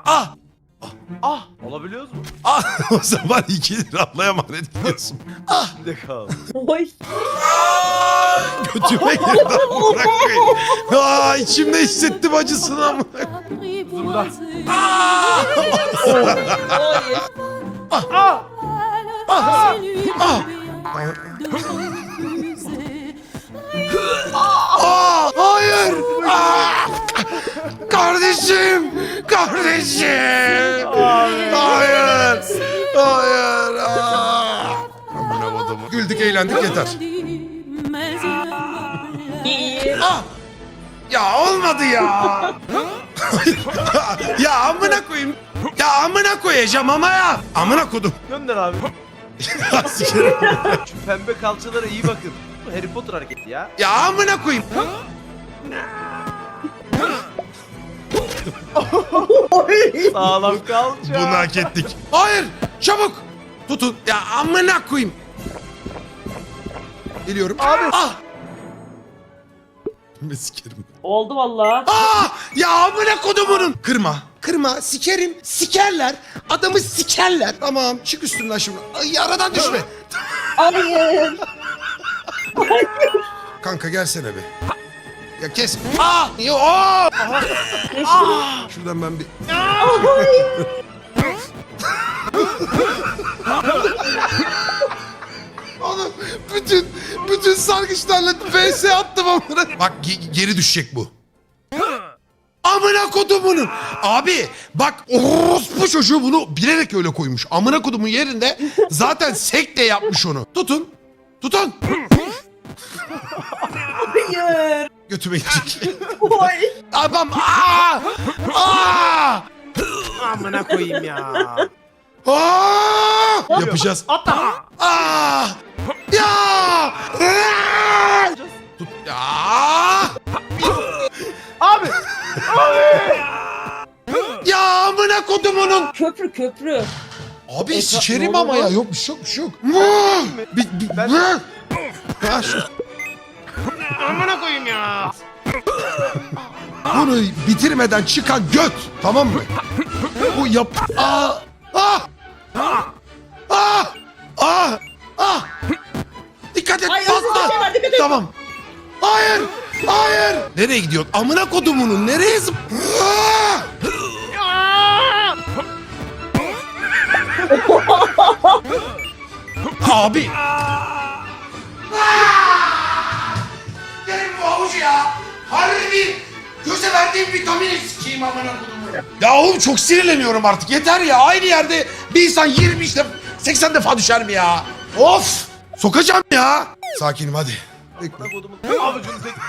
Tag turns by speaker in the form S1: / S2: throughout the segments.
S1: Ah!
S2: Ah! Olabiliyoruz mu?
S1: Ah! O zaman 2 lira ablaya emanet ediyorsun. Ah!
S2: Ne kaldı?
S3: Oy.
S1: Götüme girdi amına koyayım. Aa, içimde hissettim acısını ama.
S2: Burada.
S3: Oy.
S2: Ah!
S1: Ah! Ah! Aa, hayır! Aa! Kardeşim! Kardeşim! Hayır! Hayır! Aa! Amına kodumu. Güldük eğlendik yeter.
S3: İyi.
S1: Ah! Ya olmadı ya. Ya amına koyayım. Ya amına koyacağım ama ya. Amına kodum.
S2: Gönder abi.
S1: Sikerim.
S2: Şu pembe kalçalara iyi bakın. Bu Harry Potter hareketi ya.
S1: Ya amına koyayım.
S2: Sağlam kalça.
S1: Bunu hak ettik. Hayır! Çabuk! Tutun. Ya amına koyayım. Geliyorum.
S2: Abi.
S1: Ah! Ben sikerim.
S3: Oldu valla.
S1: Ah! Ya amına kodumunun. Kırma. Kırma. Sikerim. Sikerler. Adamı sikerler. Tamam. Çık üstümden şimdi. Ay, aradan düşme.
S3: Hayır.
S1: Kanka gelsene be. Ya kes. Ah! Yo! Oh! Ah! Şuradan ben bir... Oğlum bütün sargıçlarla vs attım amına. Bak geri düşecek bu. Amına kodumunun. Abi bak orospu çocuğu bunu bilerek öyle koymuş. Amına kodumun yerinde zaten sekte yapmış onu. Tutun. Tutun.
S3: Hayır.
S1: Götüme girecek.
S3: Oy.
S1: Adam aa! Aa!
S2: Amına koyayım ya.
S1: Aa! Yapacağız.
S2: Atla.
S1: Aa! Ya! Aa! Tut. Ya!
S2: Abi.
S1: Ya amına kodumunun.
S3: Köprü köprü.
S1: Abi sikerim ama ya. Yok bir şey yok bir şey yok.
S2: Ben-
S1: Ha, şu.
S2: Amına koyayım ya.
S1: Bunu bitirmeden çıkan göt. Tamam mı? Bu yap... Aa! Ah! Ah! Ah! Ah! Dikkat et
S3: Ay, özür
S1: patla.
S3: dilerim, dikkat et.
S1: Tamam. Hayır! Hayır! Nereye gidiyorsun? Amına kodumunun nereye zıp... Ah! Abi! Benim bu havucu ya! Harbi göze verdiğim vitamini sikeyim amına kodumu. Ya oğlum çok sinirleniyorum artık. Yeter ya. Aynı yerde bir insan 20 işte 80 defa düşer mi ya? Of! Sokacağım ya. Sakinim hadi. Bekle.
S2: Amına kodumun avucunu tek.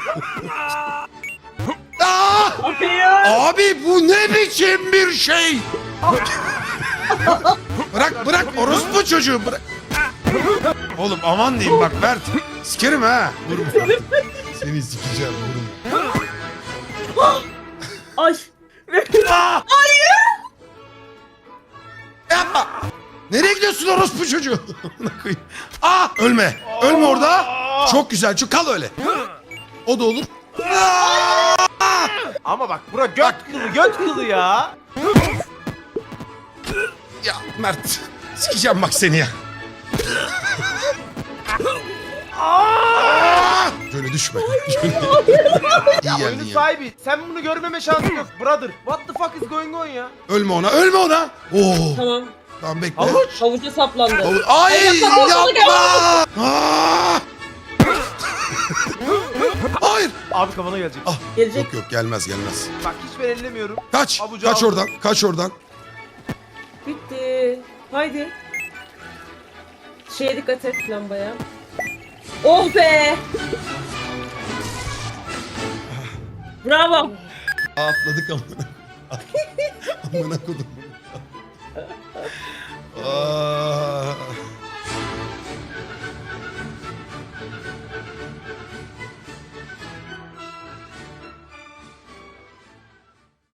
S1: Aa!
S3: Hayır.
S1: Abi bu ne biçim bir şey? Bırak orospu çocuğu bırak. Oğlum aman diyeyim bak Mert. Sikerim ha. Vurma. Seni sikeceğim vurma.
S3: Ay.
S1: Aa! Yapma. Nereye gidiyorsun orospu çocuğu? Aa, ölme. Ölme orada. Çok güzel. Çok kal öyle. O da olur. Aa!
S2: Ama bak bura göt kılı ya.
S1: Ya Mert. Sikeceğim bak seni ya. Şöyle düşme. İyi geldin
S2: Oyunun
S1: ya.
S2: sahibi. Sen bunu görmeme şansın yok brother. What the fuck is going on ya?
S1: Ölme ona. Ölme ona. Oo.
S3: Tamam.
S1: Tamam bekle.
S2: Havuç.
S3: Havuca saplandı.
S1: Ay
S3: yapma,
S1: yapma. Aa! Hayır.
S2: Abi kafana gelecek.
S1: Ah.
S3: Gelecek.
S1: Yok gelmez.
S2: Bak hiç ben ellemiyorum.
S1: Kaç.
S2: Avucu
S1: Kaç
S2: aldım.
S1: oradan. Kaç oradan.
S3: Bitti. Haydi. Şeye dikkat et lambaya. Oh be. Bravo.
S1: Atladık amına. Amına kodum. Aa.